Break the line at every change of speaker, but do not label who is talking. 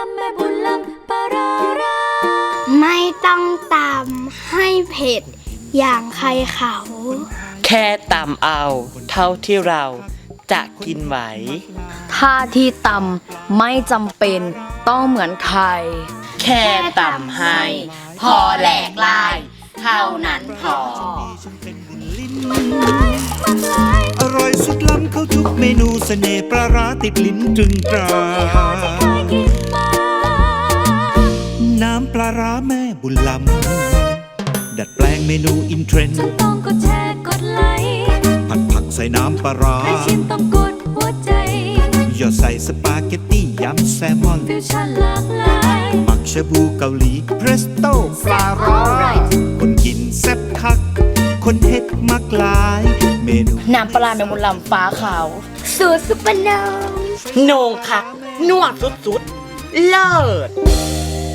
ำแม่บุญล้ำปลาร้า
ไม่ต้องตำให้เผ็ดอย่างใครเขา
แค่ตำเอาเท่าที่เราจะกินไหว
ถ้าที่ตำไม่จำเป็นต้องเหมือนใคร
แค่ตำให้ พอแหลกลาย เท่านั้นพอ
อร่อยสุดล้ำเข้าทุกเมนูเสน่ห์ปลาร้าติดลิ้นตรึงตราน้ำปลาร้าแม่บุญล้ำดัดแปลงเมนูอินเทรนด์
ฉันต้องกดแชร์กดไลค์
ผัดผักใส่น้ำปลาร้า
ใครชิมต้องกดหัวใจ
หยอดใส่สปาเกตตี้ยำแซลมอน
ฟิวชั่นหลากหลาย
หมักชาบูเกาหลีเพรสโต้ปลาร้าคนกินแซ่บคัก คนเฮ็ดมักหลาย เมนู
น้ำปลาแมงมุมลำฟ้าขาว
สูตรซุปเปอร์โน
โหนงคักนวดสุดๆ เลิศ